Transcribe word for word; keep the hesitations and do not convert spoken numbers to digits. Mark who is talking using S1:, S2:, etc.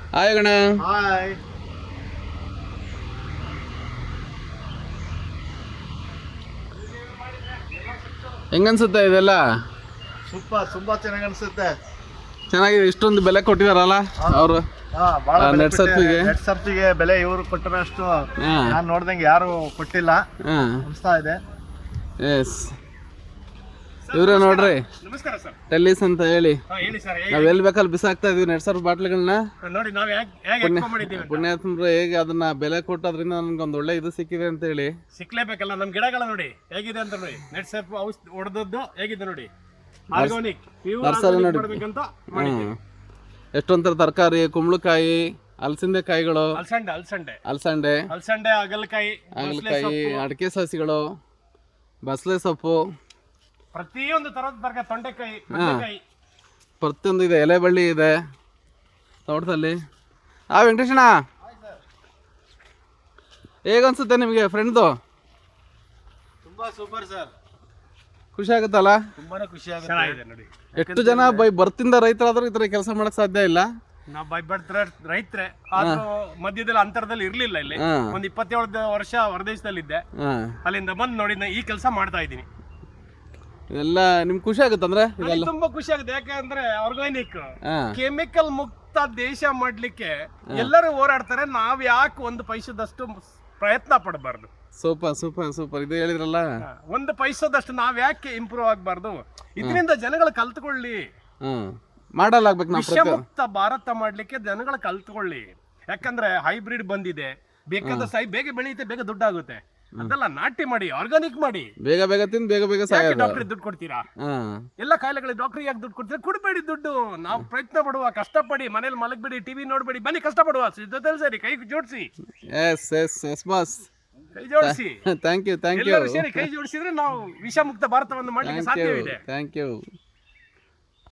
S1: Hi ಗಣ.
S2: Hi.
S1: ಹೆಂಗನ್ಸುತ್ತೆ ಇದೆಲ್ಲ?
S2: Super, ತುಂಬಾ ಚೆನ್ನಾಗಿ ಅನ್ಸುತ್ತೆ.
S1: ಚೆನ್ನಾಗಿದೆ. ಇಷ್ಟೊಂದು ಬೆಲೆ ಕೊಟ್ಟಿದಾರಲ್ಲ ಅವರು ನೆಟ್ ಸರ್ಫಿಗೆ.
S2: ನೆಟ್ ಸರ್ಫಿಗೆ ಬೆಲೆ ಇವರು ಕೊಟ್ಟರಷ್ಟು ನಾನು ನೋಡ್ದಂಗೆ ಯಾರು ಕೊಟ್ಟಿಲ್ಲ ಅನಿಸ್ತಾ ಇದೆ.
S1: ಎಸ್, ಇವ್ರೆ ನೋಡ್ರಿ,
S3: ನಮಸ್ಕಾರ ಸರ್.
S1: ಟೆಲ್ಲಿಸ್ ಅಂತ ಹೇಳಿ
S3: ಹೇಳಿ ಸರ್.
S1: ನಾವ್ ಎಲ್ಲಿ ಬೇಕಲ್ಲಿ ಬಿಸಾಕ್ತಾ ಇದೀವಿ ನೆಟ್ ಸರ್ಫ್ ಬಾಟ್ಲಿಗಳನ್ನ.
S3: ನೋಡಿ ನಾವು ಹೇಗೆ ಮಾಡಿದ್ದೀವಿ.
S1: ಪುಣ್ಯಾತ್ಮರು ಹೇಗೆ ಅದನ್ನ ಬೆಲೆ ಕೊಟ್ಟೋದ್ರಿಂದ ನನ್ಗೊಂದು ಒಳ್ಳೆ ಇದು ಸಿಕ್ಕಿದೆ ಅಂತ ಹೇಳಿ.
S3: ಸಿಕ್ಲೇಬೇಕಲ್ಲ, ನಮ್ ಗಿಡಗಳ ನೋಡಿ ಹೇಗಿದೆ ಅಂತ ನೋಡಿ. ನೆಟ್ ಸರ್ಫ್ ಔಷಧ ಹೊಡೆದದ್ದು ಹೇಗಿದೆ ನೋಡಿ. ಆರ್ಗಾನಿಕ್
S1: ನರ್ಸರಿ ನೋಡಿ.
S3: ಮಾಡ್ಬೇಕಂತ ಮಾಡಿದ್ದೀವಿ.
S1: ಎಷ್ಟೊಂಥರ ತರಕಾರಿ, ಕುಂಬಳಕಾಯಿ, ಅಲಸಂದೆ ಕಾಯಿಗಳು,
S3: ಅಲ್ಸಂಡೆ ಅಲ್ಸಂಡೆ
S1: ಅಲಸಂಡೆ
S3: ಅಲ್ಸಂಡೆ ಹಾಗಲಕಾಯಿ,
S1: ಹಾಗಲಕಾಯಿ, ಅಡಿಕೆ ಸಸಿಗಳು, ಬಸಳೆ ಸೊಪ್ಪು,
S3: ಪ್ರತಿಯೊಂದು ತರದ ತರಕಾರಿ, ತೊಂಡೆಕಾಯಿ, ಬದನೆಕಾಯಿ,
S1: ಪ್ರತಿಯೊಂದು ಇದೆ. ಎಲೆ ಬಳ್ಳಿ ಇದೆ ತೋಟದಲ್ಲಿ. ಆ ವೆಂಕಟೇಶಣ್ಣ, ಹೇಗನ್ಸುತ್ತೆ ನಿಮಗೆ ಫ್ರೆಂಡ್ದು?
S2: ತುಂಬಾ ಸೂಪರ್ ಸರ್.
S1: ಖುಷಿ ಆಗುತ್ತಲ್ಲ?
S2: ತುಂಬಾನೇ ಖುಷಿ ಆಗುತ್ತೆ.
S3: ಚೆನ್ನಾಗಿದೆ ನೋಡಿ.
S1: ಎಷ್ಟು ಜನ ಬೈ ಬರ್ತಿಂದ ರೈತರಾದ್ರೂ ಈ ತರ ಕೆಲಸ ಮಾಡಕ್ ಸಾಧ್ಯ ಇಲ್ಲ.
S3: ನಾವು ಬೈ ಬರ್ತಾರೆ ರೈತರೆ, ಆದ್ರೂ ಮಧ್ಯದಲ್ಲಿ ಅಂತರದಲ್ಲಿ ಇರ್ಲಿಲ್ಲ. ಇಲ್ಲಿ ಒಂದ್ ಇಪ್ಪತ್ತೇಳು ವರ್ಷ ಹೊರದೇಶದಲ್ಲಿದ್ದೆ. ಅಲ್ಲಿಂದ ಬಂದು ನೋಡಿ ನಾ ಈ ಕೆಲಸ ಮಾಡ್ತಾ ಇದ್ದೀನಿ.
S1: ಇದೆಲ್ಲ ನಿಮ್ಗೆ ಖುಷಿ ಆಗುತ್ತೆ ಅಂದ್ರೆ? ಇದೆಲ್ಲ
S3: ತುಂಬಾ ಖುಷಿ ಆಗುತ್ತೆ. ಯಾಕಂದ್ರೆ ಆರ್ಗಾನಿಕ್, ಕೆಮಿಕಲ್ ಮುಕ್ತ ದೇಶ ಮಾಡ್ಲಿಕ್ಕೆ ಎಲ್ಲರೂ ಹೋರಾಡ್ತಾರೆ. ನಾವ್ ಯಾಕೆ ಒಂದು ಪೈಸದಷ್ಟು ಪ್ರಯತ್ನ ಪಡಬಾರ್ದು?
S1: Super super super. ಇದು ಹೇಳಿದ್ರಲ್ಲ,
S3: ಒಂದು ಪೈಸದಷ್ಟು ನಾವ್ ಯಾಕೆ ಇಂಪ್ರೂವ್ ಆಗ್ಬಾರ್ದು? ಇದರಿಂದ ಜನಗಳು ಕಲ್ತ್ಕೊಳ್ಳಿ.
S1: ಹ್ಮ್ ಮಾಡಲಾಗ್ಬೇಕು ನಾವು.
S3: ವಿಷಮುಕ್ತ ಭಾರತ ಮಾಡ್ಲಿಕ್ಕೆ ಜನಗಳು ಕಲ್ತ್ಕೊಳ್ಳಿ. ಯಾಕಂದ್ರೆ ಹೈಬ್ರಿಡ್ ಬಂದಿದೆ, ಬೇಕಾದ ಸೈ ಬೇಗ ಬೆಳೆಯುತ್ತೆ, ಬೇಗ ದುಡ್ಡಾಗುತ್ತೆ. ಅದೆಲ್ಲ ನಾಟಿ ಮಾಡಿ, ಆರ್ಗಾನಿಕ್ ಮಾಡಿ.
S1: ಬೇಗ ಬೇಗ ತಿಂದು ಬೇಗ ಬೇಗ ಸಾಯೋದು.
S3: ಡಾಕ್ಟರ್ ದುಡ್ಡು ಕೊಡ್ತೀರಾ? ಎಲ್ಲ ಕಾಯಿಲೆಗಳಿಗೆ ಡಾಕ್ಟರ್ ಯಾಕೆ ದುಡ್ಡು ಕೊಡ್ತೀರಾ? ಕೊಡ್ಬೇಡಿ ದುಡ್ಡು. ನಾವು ಪ್ರಯತ್ನ ಪಡುವ, ಕಷ್ಟಪಡಿ, ಮನೇಲಿ ಮಲಗಬೇಡಿ, ಟಿವಿ ನೋಡ್ಬೇಡಿ, ಬನ್ನಿ ಕಷ್ಟಪಡುವ, ಜೊತೆಲಿ ಸೇರಿ ಕೈ ಜೋಡಿಸಿ.
S1: ಎಸ್ ಎಸ್ ಎಸ್ ಬಾಸ್,
S3: ಕೈ ಜೋಡಿಸಿ.
S1: Thank you thank you.
S3: ಎಲ್ಲರೂ ಸೇರಿ ಕೈ ಜೋಡಿಸಿದ್ರೆ ನಾವು ವಿಷಮುಕ್ತ ಭಾರತವನ್ನು ಮಾಡಲಿಕ್ಕೆ ಸಾಧ್ಯವಿದೆ.
S1: Thank you.